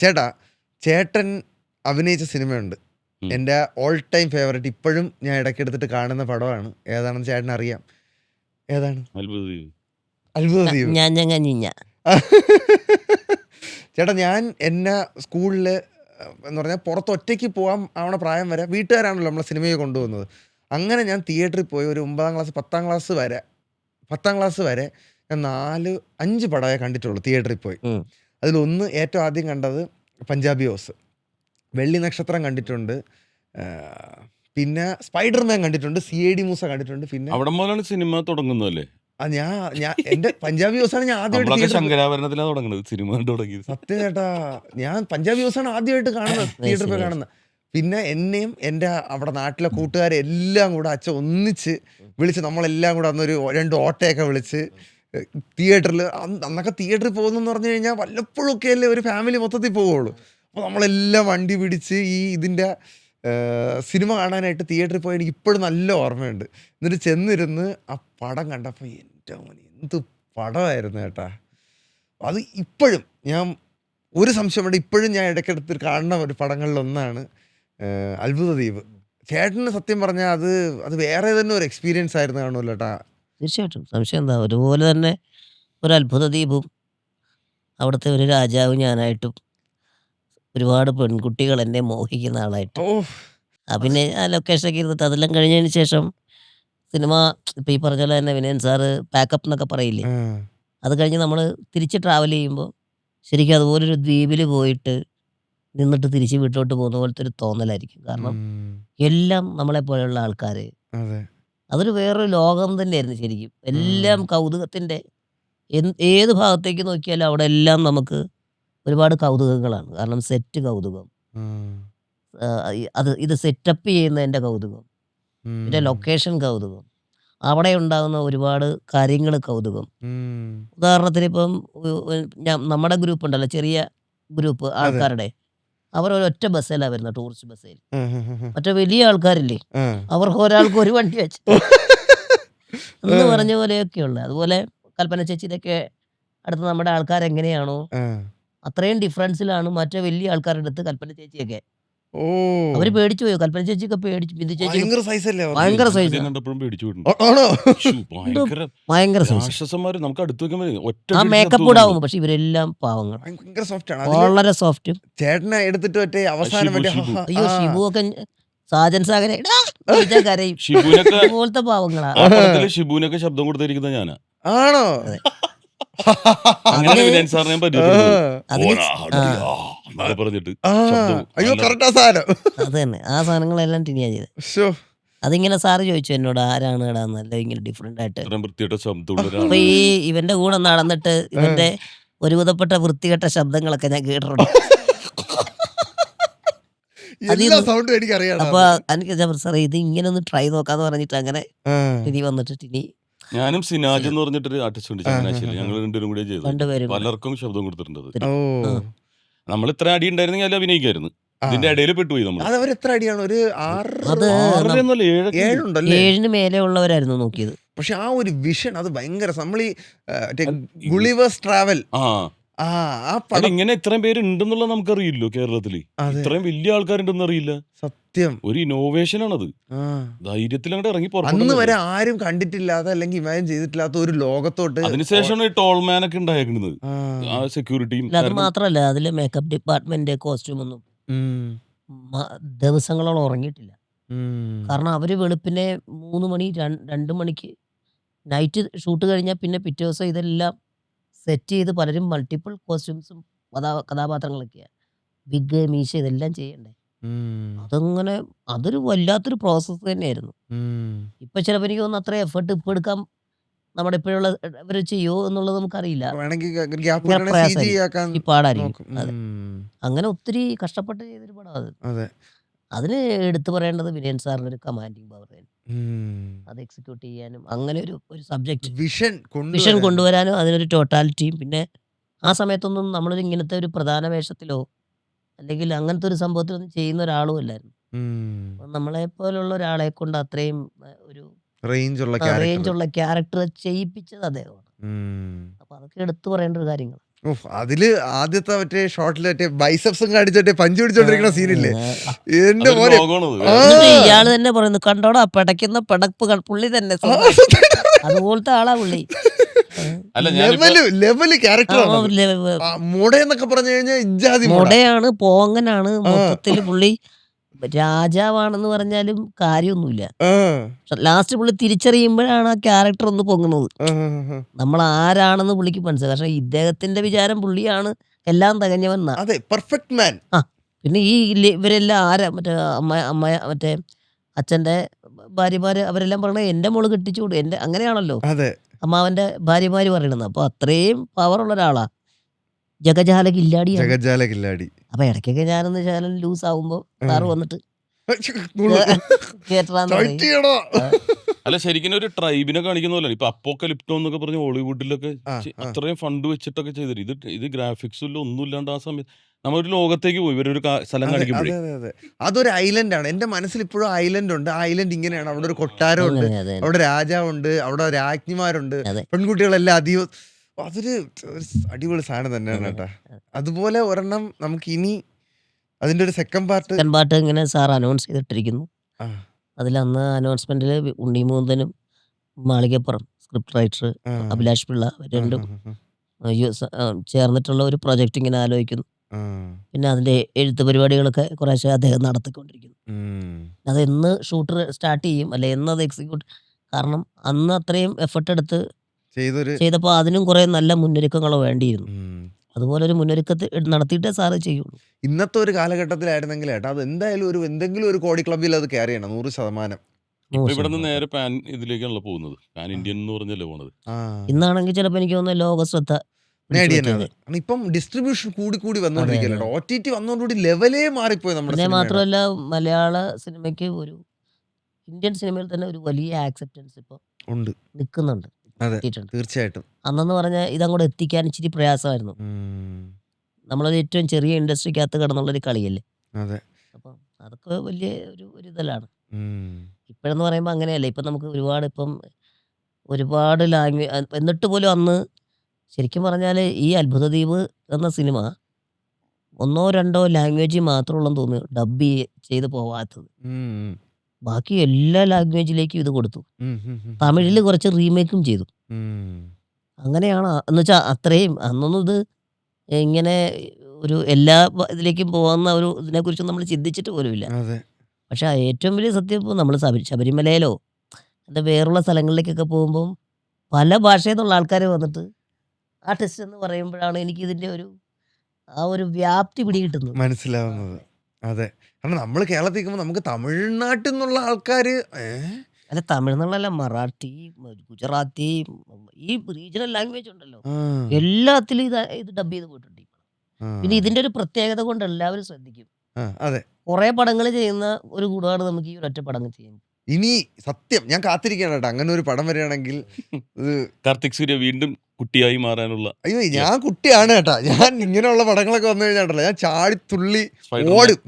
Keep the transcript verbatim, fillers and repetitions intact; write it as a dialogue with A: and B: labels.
A: ചേട്ടാ, ചേട്ടൻ അഭിനയിച്ച സിനിമയുണ്ട്,
B: ഉം.
A: എൻ്റെ ഓൾ ടൈം ഫേവറേറ്റ്. ഇപ്പോഴും ഞാൻ ഇടയ്ക്കെടുത്തിട്ട് കാണുന്ന പടമാണ്. ഏതാണെന്ന് ചേട്ടൻ അറിയാം? ഏതാണ്?
B: അത്ഭുത ദ്വീപ്.
A: അത്ഭുത ദ്വീപ്.
C: ഞാൻ ഞങ്ങ ഞിഞ്ഞ
A: ചേട്ടാ, ഞാൻ എന്നെ സ്കൂളിൽ എന്ന് പറഞ്ഞാൽ പുറത്ത് ഒറ്റയ്ക്ക് പോകാൻ ആവണ പ്രായം വരെ വീട്ടുകാരാണല്ലോ നമ്മളെ സിനിമയെ കൊണ്ടുപോകുന്നത്. അങ്ങനെ ഞാൻ തിയേറ്ററിൽ പോയി ഒരു ഒമ്പതാം ക്ലാസ് പത്താം ക്ലാസ് വരെ പത്താം ക്ലാസ് വരെ ഞാൻ നാല് അഞ്ച് പടമേ കണ്ടിട്ടുള്ളൂ തിയേറ്ററിൽ പോയി.
C: ഉം.
A: അതിലൊന്ന് ഏറ്റവും ആദ്യം കണ്ടത് പഞ്ചാബി ഹൗസ്, വെള്ളി നക്ഷത്രം കണ്ടിട്ടുണ്ട്, ആ, പിന്നെ സ്പൈഡർമാൻ കണ്ടിട്ടുണ്ട്, സി ഐ ഡി മൂസ കണ്ടിട്ടുണ്ട്. പിന്നെ
B: അവിടെ മുതലാണ് സിനിമ തുടങ്ങുന്നതല്ലേ?
A: ആ, ഞാൻ ഞാൻ എൻ്റെ പഞ്ചാബി ഹൗസാണ് ഞാൻ ആദ്യമായിട്ട്
B: നമ്മളൊക്കെ
A: തിയേറ്ററിൽ
B: ശങ്കരാഭരണത്തിലാണ് തുടങ്ങുന്നത്, സിനിമ കണ്ട് തുടങ്ങിയത്.
A: സത്യം ചേട്ടാ, ഞാൻ പഞ്ചാബി ഹൗസാണ് ആദ്യമായിട്ട് കാണുന്നത്, തിയേറ്ററിൽ പോയി
C: nice.
A: കാണുന്നത്. പിന്നെ എന്നെയും എൻ്റെ അവിടെ നാട്ടിലെ കൂട്ടുകാരെ എല്ലാം കൂടെ അച്ഛൻ ഒന്നിച്ച് വിളിച്ച് നമ്മളെല്ലാം കൂടെ അന്നൊരു രണ്ട് ഓട്ടയൊക്കെ വിളിച്ച് തിയേറ്ററിൽ, അന്നൊക്കെ തിയേറ്ററിൽ പോകുന്നെന്ന് പറഞ്ഞു കഴിഞ്ഞാൽ വല്ലപ്പോഴും ഒക്കെ അല്ലേ ഒരു ഫാമിലി മൊത്തത്തിൽ പോവുള്ളൂ. അപ്പോൾ നമ്മളെല്ലാം വണ്ടി പിടിച്ച് ഈ ഇതിൻ്റെ സിനിമ കാണാനായിട്ട് തിയേറ്ററിൽ പോയി എനിക്ക് ഇപ്പോഴും നല്ല ഓർമ്മയുണ്ട്. എന്നിട്ട് ചെന്നിരുന്ന് ആ പടം കണ്ടപ്പോൾ എൻ്റെ മോനെ എന്ത് പടമായിരുന്നു ചേട്ടാ. അത് ഇപ്പോഴും ഞാൻ ഒരു സംശയം വേണ്ട, ഇപ്പോഴും ഞാൻ ഇടയ്ക്കെടുത്ത് കാണുന്ന ഒരു പടങ്ങളിലൊന്നാണ് ഏഹ്, അത്ഭുത ദ്വീപ്. ചേട്ടന് സത്യം പറഞ്ഞാൽ അത് അത് വേറെ തന്നെ ഒരു എക്സ്പീരിയൻസ് ആയിരുന്നു കാണുമല്ലോ ചേട്ടാ.
C: തീർച്ചയായിട്ടും സംശയം എന്താ, ഒരുപോലെ തന്നെ ഒരു അത്ഭുത ദ്വീപും അവിടുത്തെ ഒരു രാജാവ് ഞാനായിട്ടും ഒരുപാട് പെൺകുട്ടികൾ എന്നെ മോഹിക്കുന്ന ആളായിട്ടും
A: ഓ,
C: ആ പിന്നെ ആ ലൊക്കേഷനൊക്കെ ഇരുന്നിട്ട് അതെല്ലാം കഴിഞ്ഞതിന് ശേഷം സിനിമ ഇപ്പം ഈ പറഞ്ഞ പോലെ തന്നെ വിനയൻ സാറ് പാക്കപ്പ് എന്നൊക്കെ പറയില്ലേ,
A: ആ,
C: അത് കഴിഞ്ഞ് നമ്മൾ തിരിച്ച് ട്രാവൽ ചെയ്യുമ്പോൾ ശരിക്കും അതുപോലൊരു ദ്വീപിൽ പോയിട്ട് നിന്നിട്ട് തിരിച്ച് വീട്ടിലോട്ട് പോകുന്ന പോലത്തെ ഒരു തോന്നലായിരിക്കും. കാരണം
A: ഉം,
C: എല്ലാം നമ്മളെ പോലെയുള്ള ആൾക്കാർ,
A: അതെ.
C: അതൊരു വേറൊരു ലോകം തന്നെയായിരുന്നു ശരിക്കും. എല്ലാം
A: ഉം,
C: കൗതുകത്തിൻ്റെ, എന്ത് ഏത് ഭാഗത്തേക്ക് നോക്കിയാലും അവിടെ എല്ലാം നമുക്ക് ഒരുപാട് കൗതുകങ്ങളാണ്. കാരണം സെറ്റ് കൗതുകം,
A: ഉം,
C: ആ, ഈ അത് ഇത് സെറ്റപ്പ് ചെയ്യുന്നതിൻ്റെ കൗതുകം, പിന്നെ
A: ഉം,
C: ലൊക്കേഷൻ കൗതുകം, അവിടെ ഉണ്ടാകുന്ന ഒരുപാട് കാര്യങ്ങൾ കൗതുകം.
A: ഉം,
C: ഉദാഹരണത്തിന് ഇപ്പം ഉ- ഉ- ഞാൻ നമ്മുടെ ഗ്രൂപ്പ് ഉണ്ടല്ലോ, ചെറിയ ഗ്രൂപ്പ്
A: അതെ.
C: ആൾക്കാരുടെ, അവർ ഒരൊറ്റ ബസ്സിലാണ് വരുന്നത്, ടൂറിസ്റ്റ് ബസ്സിൽ.
A: ആ, ആ, ആ,
C: മറ്റേ വലിയ ആൾക്കാരില്ലേ,
A: ആ.
C: അവർക്ക് ഒരാൾക്ക് ഒരു വണ്ടി വെച്ചിട്ട് എന്ന് പറഞ്ഞ പോലെയൊക്കെയുള്ള. അതുപോലെ കൽപ്പന ചേച്ചിയുടെയൊക്കെ അടുത്ത് നമ്മുടെ ആൾക്കാരെങ്ങനെയാണോ
A: ആ.
C: അത്രയും ഡിഫറൻസിലാണ് മറ്റേ വലിയ ആൾക്കാരുടെ അടുത്ത് കൽപ്പന ചേച്ചിയൊക്കെ.
A: ഓ,
C: അവർ പേടിച്ചു പോയോ, കൽപ്പന ചേച്ചിയൊക്കെ പേടിച്ചു, ബിന്ദു ചേച്ചിയൊക്കെ
A: ഭയങ്കര സൈസ് അല്ലേ അവർക്ക്?
C: ഭയങ്കര
B: ഞാൻ
C: സൈസാ,
B: ആദ്യം കണ്ടപ്പോഴും പേടിച്ചു പോയിട്ടുണ്ട്.
A: ആ- ആണോ?
B: ശ്ശൂ, ഭയങ്കര
C: ഭയങ്കര സൈസ്.
B: രാക്ഷസന്മാര് നമുക്ക് അടുത്ത് വെക്കാൻ പറ്റും. ഒറ്റ
C: ആ
B: അടിച്ച്
C: മേക്കപ്പ്
B: ചത്തു
C: കൂടെ
B: പോകുന്നുണ്ട്.
C: ആവും, പക്ഷെ ഇവരെല്ലാം പാവങ്ങൾ,
A: ഭയങ്കര സോഫ്റ്റ് ആണ്. അതില്
C: വളരെ സോഫ്റ്റും.
A: ചേട്ടനെ എടുത്തിട്ട് മറ്റേ അവസാനം
B: ഷിബു,
A: മറ്റേ
B: ഷിബു.
A: ഹ-
C: അയ്യോ
A: ആ,
C: ഷിബു ഒക്കെ സാജൻ സാഗരെ കരയും,
B: ഷിബുവിനൊക്കെ
C: അതുപോലത്തെ പാവങ്ങളാ.
B: ആ പടത്തില് ഷിബുവിനൊക്കെ ശബ്ദം കൊടുത്തിരിക്കുന്നത് ഞാനാ.
A: ആണോ?
C: അതെ.
B: അങ്ങനെ
C: അതില്
B: വിനയൻ സാറിനെ ഞാൻ
A: ആ,
B: പരിചയപ്പെടുന്നത്.
C: അതില്
B: ഓടാ, അടിയാ എന്നൊക്കെ പറഞ്ഞിട്ട്
A: ആ,
B: ശബ്ദം
A: അയ്യോ
B: നല്ല
A: കറക്റ്റാ സാധനം.
C: അത് തന്നെ, ആ സാധനങ്ങളെല്ലാം ടിനിയാ ചെയ്തത്.
A: ശോ.
C: അതിങ്ങനെ സാറ് ചോദിച്ചു എന്നോട്, ആരാണ് ഇടാന്നല്ല ഇങ്ങനെ ഡിഫറെന്റ് ആയിട്ട്.
B: ഇത്രയും വൃത്തിയായിട്ട ശബ്ദമുള്ള
C: അപ്പൊ
B: ഒരാളാണ്.
C: ഈ ഇവന്റെ കൂടെ നടന്നിട്ട് ഇവന്റെ ഒരുവിധപ്പെട്ട വൃത്തികെട്ട ശബ്ദങ്ങളൊക്കെ ഞാൻ കേട്ടിട്ടുണ്ട്. അതിൽ
A: എല്ലാ സൗണ്ടും എനിക്കറിയാം.
C: അപ്പൊ എനിക്ക് സാറേ ഇത് ഇങ്ങനെ ഒന്ന് ട്രൈ നോക്കാന്ന് പറഞ്ഞിട്ട് അങ്ങനെ ടിനി വന്നിട്ട് ടിനി
B: ഞാനും സിനാജ് എന്ന് പറഞ്ഞിട്ടൊരു ആർട്ടിസ്റ്റ് ഉണ്ട് ചങ്ങനാശ്ശേരി. ഞങ്ങൾ രണ്ടുപേരും കൂടെ ചെയ്തത്.
C: രണ്ടുപേരും കൂടെ.
B: പലർക്കും ശബ്ദം കൊടുത്തിട്ടുണ്ട്. അത്
A: ഓ,
C: ആ.
B: നമ്മൾ ഇത്ര അടി ഉണ്ടായിരുന്നെങ്കിൽ അത് അഭിനയിക്കായിരുന്നു.
A: ആ.
B: ഇതിന്റെ ഇടയിൽ പെട്ടുപോയി നമ്മൾ.
A: അത് അവർ എത്ര അടിയാണ്? ഒരു ആറ്
C: അത്
B: ആറരയൊന്നുമല്ല, ഏഴൊക്കെ ഉണ്ട്.
A: ഏഴുണ്ടല്ലേ?
C: ഏഴിന് മേലെ ഉള്ളവരായിരുന്നു നോക്കിയത്.
A: പക്ഷെ ആ ഒരു വിഷൻ അത് ഭയങ്കര. നമ്മൾ ഈ
B: അത്
A: ഗുളിവേഴ്സ് ട്രാവൽ,
B: ആ
A: ആ ആ
B: അത്
A: പടം
B: ഇങ്ങനെ ഇത്രയും പേര് ഉണ്ടെന്നുള്ള നമുക്കറിയില്ലോ കേരളത്തില്.
A: അതെ.
B: ഇത്രയും വലിയ ആൾക്കാരുണ്ടെന്ന് അറിയില്ല.
A: സത്യം.
B: ഒരു ഇന്നോവേഷൻ ആണത്.
A: ആ,
B: ധൈര്യത്തിൽ അങ്ങോട്ട് ഇറങ്ങി
A: അന്ന്
B: പുറപ്പെടുന്നത്.
A: വരെ ആരും കണ്ടിട്ടില്ലാത്ത അല്ലെങ്കിൽ ഇമാജിൻ ചെയ്തിട്ടില്ലാത്ത ഒരു ലോകത്തോട്ട്.
B: അതിനുശേഷമാണ് ഈ ടോൾമാൻ ഒക്കെ ഉണ്ടായിരിക്കുന്നത്.
A: ആ,
B: ആ സെക്യൂരിറ്റിയും
C: അല്ല അത് മാത്രല്ല, അതിലെ മേക്കപ്പ് ഡിപ്പാർട്ട്മെന്റ് കോസ്റ്റ്യൂം ഒന്നും
A: ഉം,
C: മ- ദിവസങ്ങളോളം ഉറങ്ങിയിട്ടില്ല.
A: ഉം,
C: കാരണം അവര് വെളുപ്പിനെ മൂന്ന് മണി രണ്ട് രണ്ട് മണിക്ക് നൈറ്റ് ഷൂട്ട് കഴിഞ്ഞാൽ പിന്നെ പിറ്റേ ദിവസം ഇതെല്ലാം സെറ്റ് ചെയ്ത് പലരും മൾട്ടിപ്പിൾ കോസ്റ്റ്യൂംസും കഥാ കഥാപാത്രങ്ങളൊക്കെയാണ്, വിഗ് മീശ ഇതെല്ലാം ചെയ്യണ്ടേ.
A: ഉം,
C: അതങ്ങനെ അതൊരു വല്ലാത്തൊരു പ്രോസസ്സ് തന്നെയായിരുന്നു.
A: ഉം.
C: ഇപ്പൊ ചിലപ്പോൾ എനിക്ക് തോന്നുന്നു അത്ര എഫേർട്ട് ഇപ്പൊ എടുക്കാൻ നമ്മുടെ ഇപ്പോഴുള്ള ഇവർ ചെയ്യോ എന്നുള്ളത് നമുക്കറിയില്ല.
A: വേണമെങ്കിൽ ഗ്യാപ്പ്
C: ഭയങ്കര
A: സി ജി
C: പ്രയാസമായിരിക്കും,
A: ആക്കാൻ
C: ഈ പാടായിരിക്കും.
A: നോക്കും.
C: അതെ,
A: ഉം,
C: അങ്ങനെ ഒത്തിരി കഷ്ടപ്പെട്ട് ചെയ്തൊരു പടം അത്.
A: അതെ.
C: അതിന് എടുത്തു പറയേണ്ടത് വിനയൻ സാറിന്റെ ഒരു കമാൻഡിങ് പവർ,
A: ഉം.
C: അത് എക്സിക്യൂട്ട് ചെയ്യാനും അങ്ങനെ ഒരു ഒരു സബ്ജക്റ്റ്
A: വിഷൻ
C: വിഷൻ
A: കൊണ്ടുവരാൻ.
C: കൊണ്ടുവരാനും അതിനൊരു ടോട്ടാലിറ്റിയും. പിന്നെ ആ സമയത്തൊന്നും നമ്മളൊരു ഇങ്ങനത്തെ ഒരു പ്രധാന വേഷത്തിലോ അല്ലെങ്കിൽ അങ്ങനത്തെ ഒരു സംഭവത്തിലൊന്നും ചെയ്യുന്ന ഒരാളും അല്ലായിരുന്നു.
A: ഉം.
C: അപ്പം നമ്മളെ പോലുള്ള ഒരാളെ കൊണ്ട് അത്രയും ഏഹ്, ഒരു
A: റേഞ്ചുള്ള
C: റേഞ്ച്
A: ക്യാരക്ടർ.
C: ഉള്ള ക്യാരക്ടർ ചെയ്യിപ്പിച്ചത് അദ്ദേഹമാണ്.
A: ഉം.
C: അപ്പൊ അതൊക്കെ എടുത്തു പറയേണ്ട ഒരു കാര്യങ്ങൾ.
A: ഉഫ്, അതില് ആദ്യത്തെ മറ്റേ ഷോട്ടിൽ മറ്റേ ബൈസപ്സും കാണിച്ചിട്ട് പഞ്ച് പിടിച്ചോണ്ടിരിക്കുന്ന സീനില്ലേ എന്റെ
B: അതൊരു
A: മോനെ.
B: ലോകമാണത്.
A: ആ,
C: എന്നിട്ട് ഇയാള് തന്നെ പറയുന്നു കണ്ടോടാ പിടയ്ക്കുന്ന പിടപ്പ് പുള്ളി തന്നെ
A: ആ,
C: സ്വന്തം. അതുപോലത്തെ ആളാ പുള്ളി.
B: അല്ല ഞാനിപ്പോ
A: ലെവല് ലെവല്
C: ആ,
A: ക്യാരക്ടറാണ് അത്.
C: ലെ-
A: ആ, മുടയെന്നൊക്കെ പറഞ്ഞു കഴിഞ്ഞാൽ ഇജാതി മുട.
C: മുടയാണ്, പോങ്ങനാണ്,
A: ആ,
C: മൊത്തത്തില് പുള്ളി രാജാവാണെന്ന് പറഞ്ഞാലും കാര്യമൊന്നുമില്ല.
A: ആ,
C: ലാസ്റ്റ് പുള്ളി തിരിച്ചറിയുമ്പോഴാണ് ആ ക്യാരക്ടർ ഒന്ന് പൊങ്ങുന്നത്.
A: ആ, ആ.
C: നമ്മൾ ആരാണെന്ന് പുള്ളിക്ക് മനസ്സിലായി. പക്ഷെ ഇദ്ദേഹത്തിന്റെ വിചാരം പുള്ളിയാണ് എല്ലാം തികഞ്ഞവൻ എന്നാ.
A: അതെ, പെർഫെക്റ്റ് മാൻ.
C: ആ പിന്നെ ഈ ഇല്ല- ഇവരെല്ലാം ആരാ മറ്റേ അമ്മ അമ്മ മറ്റേ അച്ഛന്റെ ഭാര്യമാര് അവരെല്ലാം പറയണത് എന്റെ മോള് കെട്ടിച്ചുകൂടും എന്റെ അങ്ങനെയാണല്ലോ
A: അതെ,
C: അമ്മാവന്റെ ഭാര്യമാര് പറയണത്. അപ്പൊ അത്രയും പവറുള്ള ഒരാളാ. ജഗജാല കില്ലാടിയാണ്.
A: ജഗജാല കില്ലാടി.
C: അപ്പൊ ഇടയ്ക്കൊക്കെ ഞാനൊന്ന് ശകലം ലൂസ് ആവുമ്പോ
A: ആ.
C: സാറ് വന്നിട്ട്
A: നുള്ളു.
C: കേട്ടറാന്ന്
A: ടൈറ്റ്
C: പറയും.
A: ചെയ്യണോ?
C: ആ,
B: അല്ല ശരിക്കും ഒരു ട്രൈബിനെ കാണിക്കുന്ന പോലെ ഇപ്പൊ അപ്പോക്കലിപ്റ്റോ എന്നൊക്കെ പറഞ്ഞ് ഹോളിവുഡിലൊക്കെ
A: ആ,
B: ചെ-
A: ആ.
B: അത്രയും ഫണ്ട് വെച്ചിട്ടൊക്കെ ചെയ്തിട്ട് ഇത് ഇത് ഗ്രാഫിക്സും ഇല്ല ഒന്നും ഇല്ലാണ്ട് ആ സമയത്ത് നമ്മളൊരു ലോകത്തേക്ക് പോയി ഇവരൊരു കാ- സ്ഥലം
A: അതെ,
B: കാണിക്കുമ്പോഴേ
A: അതെ, അതെ, അതെ. അതൊരു ഐലൻഡ് ആണ്. എന്റെ മനസ്സിൽ ഇപ്പോഴും ഐലൻഡ് ഉണ്ട്. ആ ഐലൻഡ് ഇങ്ങനെയാണ്. അവിടെ ഒരു കൊട്ടാരമുണ്ട്,
C: അങ്ങനെ അതെ
A: അവിടെ രാജാവുണ്ട്, അവിടെ രാജ്ഞിമാരുണ്ട്,
C: അതെ
A: പെൺകുട്ടികളെല്ലാം അധികം. അതൊരു ഒരു അടിപൊളി സാധനം തന്നെയാണ് കേട്ടാ. അതുപോലെ ഒരെണ്ണം നമുക്ക് ഇനി അതിന്റെ ഒരു സെക്കൻഡ് പാർട്ട്.
C: സെക്കൻഡ് പാർട്ട് ഇങ്ങനെ സാർ അനൗൺസ് ചെയ്തിട്ടിരിക്കുന്നു. അതിൽ അന്ന് അനൗൺസ്മെന്റിൽ ഉണ്ണിമൂന്തനും മാളികപ്പുറം സ്ക്രിപ്റ്റ് റൈറ്റർ അഭിലാഷ് പിള്ള രണ്ടും യു- സ- ആ, ചേർന്നിട്ടുള്ള ഒരു പ്രൊജക്റ്റ് ഇങ്ങനെ ആലോചിക്കുന്നു. പിന്നെ അതിന്റെ എഴുത്ത് പരിപാടികളൊക്കെ കുറേശ്ശെ അദ്ദേഹം നടത്തിക്കൊണ്ടിരിക്കുന്നു. അത് എന്ന് ഷൂട്ടർ സ്റ്റാർട്ട് ചെയ്യും അല്ലെ എന്ന് അത് എക്സിക്യൂട്ട്, കാരണം അന്ന് അത്രയും എഫർട്ട് എടുത്ത്
A: ചെയ്തൊരു
C: ചെയ്തപ്പോൾ അതിനും കുറെ നല്ല മുന്നൊരുക്കങ്ങൾ വേണ്ടിയിരുന്നു.
A: ഉം.
C: അതുപോലെ ഒരു മുന്നൊരുക്കത്തിൽ നടത്തിയിട്ടേ സാറ് ചെയ്യുള്ളൂ.
A: ഇന്നത്തെ ഒരു കാലഘട്ടത്തിലായിരുന്നെങ്കിൽ ഏട്ടാ അത് എന്തായാലും ഒരു എന്തെങ്കിലും ഒരു കോടി ക്ലബിൽ അത് കയറി ചെയ്യണം നൂറ് ശതമാനം.
B: ഇപ്പൊ
C: നൂറ്
B: ഇവിടെ നിന്ന്
C: ശതമാനം.
B: നേരെ പാൻ ഇതിലേക്കാണല്ലോ പോകുന്നത്. പാൻ ഇന്ത്യൻ എന്ന് പറഞ്ഞല്ലേ പോണത്.
A: ആ,
C: ഇന്നാണെങ്കിൽ ചിലപ്പോൾ എനിക്ക് തോന്നുന്നു ലോക ശ്രദ്ധ പിടിച്ചു
A: നേടിയെന്നെ
C: പറ്റിയത്.
A: അത്. കാരണം ഇപ്പം ഡിസ്ട്രിബ്യൂഷൻ കൂടി കൂടി
C: അതെ അതെ
A: വന്നോണ്ടിരിക്കല്ലോ. ഒ ടി ടി വന്നോടുകൂടി ലെവലേ മാറിപ്പോയി നമ്മുടെ
C: പിന്നെ
A: സിനിമയുടെ.
C: മാത്രമല്ല മലയാള സിനിമയ്ക്ക് ഒരു ഇന്ത്യൻ സിനിമയിൽ തന്നെ ഒരു വലിയ ആക്സെപ്റ്റൻസ് ഇപ്പോൾ
A: ഉണ്ട്.
C: നിൽക്കുന്നുണ്ട്,
A: അതെ,
C: എത്തിയിട്ടുണ്ട്.
A: തീർച്ചയായിട്ടും.
C: അന്നെന്ന് പറഞ്ഞാൽ ഇതങ്ങോട്ട് എത്തിക്കാൻ ഇച്ചിരി പ്രയാസമായിരുന്നു.
A: ഉം.
C: നമ്മളൊരു ഏറ്റവും ചെറിയ ഇൻഡസ്ട്രിക്കകത്ത് കിടന്നുള്ളൊരു കളിയല്ലേ.
A: അതെ.
C: അപ്പം അതൊക്കെ വലിയ ഒരു ഒരു ഇതലാണ്.
A: ഉം.
C: ഇപ്പോഴെന്ന് പറയുമ്പോൾ അങ്ങനെയല്ല. ഇപ്പം നമുക്ക് ഒരുപാട് ഇപ്പം ഒരുപാട് ലാംഗ്വേജ് എന്നിട്ട് പോലും അന്ന് ശരിക്കും പറഞ്ഞാൽ ഈ അത്ഭുതദ്വീപ് എന്ന സിനിമ ഒന്നോ രണ്ടോ ലാംഗ്വേജ് മാത്രമുള്ളെന്ന് തോന്നുന്നു ഡബ് ചെയ്ത് പോവാത്തത്.
A: ഉം.
C: ബാക്കി എല്ലാ ലാംഗ്വേജിലേക്കും ഇത് കൊടുത്തു.
A: ഉം. ഉം. ഉം.
C: തമിഴിൽ കുറച്ച് റീമേക്കും ചെയ്തു.
A: ഉം.
C: അങ്ങനെയാണ് എന്ന് വെച്ചാൽ അത്രയും അന്നൊന്നും ഇത് ഇങ്ങനെ ഒരു എല്ലാ വ- ഇതിലേക്കും പോകുന്ന ഒരു ഇതിനെക്കുറിച്ച് നമ്മൾ ചിന്തിച്ചിട്ട് പോലുമില്ല.
A: അതെ.
C: പക്ഷെ ആ ഏറ്റവും വലിയ സത്യം ഇപ്പോൾ നമ്മൾ ശബരി ശബരിമലയിലോ എന്താ വേറുള്ള സ്ഥലങ്ങളിലേക്കൊക്കെ പോകുമ്പം പല ഭാഷയിൽ നിന്നുള്ള ആൾക്കാർ വന്നിട്ട് ആ ടെസ്റ്റ് എന്ന് പറയുമ്പോഴാണ് എനിക്ക് ഇതിൻ്റെ ഒരു ആ ഒരു വ്യാപ്തി പിടികിട്ടുന്നത്.
A: മനസ്സിലാവുന്നത്. അതെ. കാരണം നമ്മൾ കേരളത്തിൽ നിൽക്കുമ്പോൾ നമുക്ക് തമിഴ്നാട്ടിൽ നിന്നുള്ള ആൾക്കാര് ഏ?
C: അല്ല തമിഴ്നാട്ടിലല്ല, മറാഠി, മ- ഗുജറാത്തി, ഉം, ഈ റീജിയണൽ ലാംഗ്വേജ് ഉണ്ടല്ലോ
A: ആ,
C: എല്ലാത്തിലും ഇത് ഇത് ഡബ് ചെയ്ത് പോയിട്ടുണ്ട്.
A: ആ,
C: പിന്നെ ഇതിൻ്റെ ഒരു പ്രത്യേകത കൊണ്ട് എല്ലാവരും ശ്രദ്ധിക്കും.
A: ആ, അതെ.
C: കുറേ പടങ്ങൾ ചെയ്യുന്ന ഒരു കൂടാണ് നമുക്ക് ഈ ഒരൊറ്റ പടം ചെയ്യുന്നത്.
A: ഇനി സത്യം ഞാൻ കാത്തിരിക്കുകയാണ് കേട്ടോ അങ്ങനെ ഒരു പടം വരികയാണെങ്കിൽ. ഇത്
B: കാർത്തിക് സൂര്യ വീണ്ടും കുട്ടിയായി മാറാനുള്ള
A: അയ്യോ ഞാൻ കുട്ടിയാണ് കേട്ടാ. ഞാൻ ഇങ്ങനെയുള്ള പടങ്ങളൊക്കെ വന്നു കഴിഞ്ഞാൽ ഞാൻ ചാടി തുള്ളി
B: സ്പൈഡർമാൻ
A: ഓടും.